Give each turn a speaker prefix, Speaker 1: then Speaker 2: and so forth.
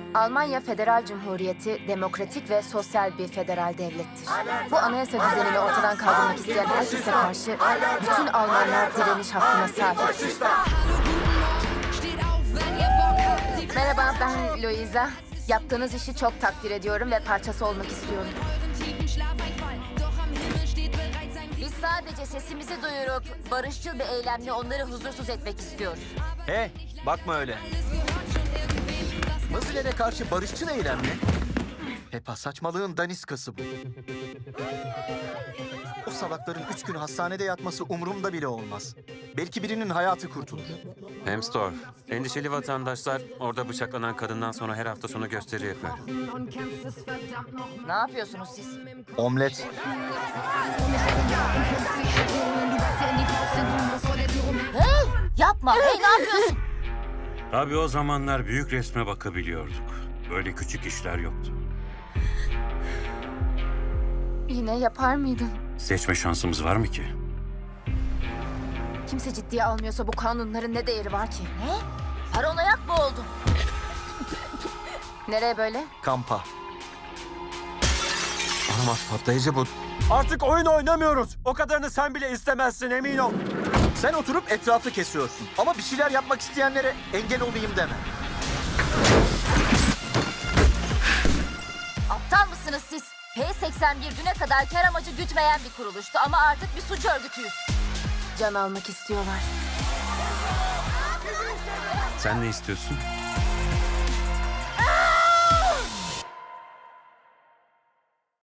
Speaker 1: Almanya Federal Cumhuriyeti demokratik ve sosyal bir federal devlettir. Bu anayasa düzenini ortadan kaldırmak isteyen herkese karşı bütün Almanlar direniş hakkına sahiptir. Merhaba, ben Luisa. Yaptığınız işi çok takdir ediyorum ve parçası olmak istiyorum.
Speaker 2: Biz sadece sesimizi duyurup barışçıl bir eylemle onları huzursuz etmek istiyoruz.
Speaker 3: Hey, bakma öyle. Nazilere karşı barışçıl eylem mi? Hep saçmalığın daniskası bu. O salakların 3 gün hastanede yatması umurumda bile olmaz. Belki birinin hayatı kurtulur.
Speaker 4: Hemsdorf, endişeli vatandaşlar orada bıçaklanan kadından sonra her hafta sonu gösteri yapıyor.
Speaker 2: Ne yapıyorsunuz siz?
Speaker 3: Omlet.
Speaker 2: Hey! Yapma! Hey, ne yapıyorsun?
Speaker 5: Tabii o zamanlar büyük resme bakabiliyorduk. Böyle küçük işler yoktu.
Speaker 1: Yine yapar mıydın?
Speaker 5: Seçme şansımız var mı ki?
Speaker 1: Kimse ciddiye almıyorsa bu kanunların ne değeri var ki?
Speaker 2: Ne? Paranoyak mı oldun?
Speaker 1: Nereye böyle?
Speaker 3: Kampa. Olamaz, patlayıcı bu. Artık oyun oynamıyoruz. O kadarını sen bile istemezsin, emin ol. Sen oturup etrafı kesiyorsun. Ama bir şeyler yapmak isteyenlere engel olayım deme.
Speaker 2: Aptal mısınız siz? P81 düne kadar kar amacı gütmeyen bir kuruluştu ama artık bir suç örgütüyüz.
Speaker 1: Can almak istiyorlar.
Speaker 5: Sen ne istiyorsun?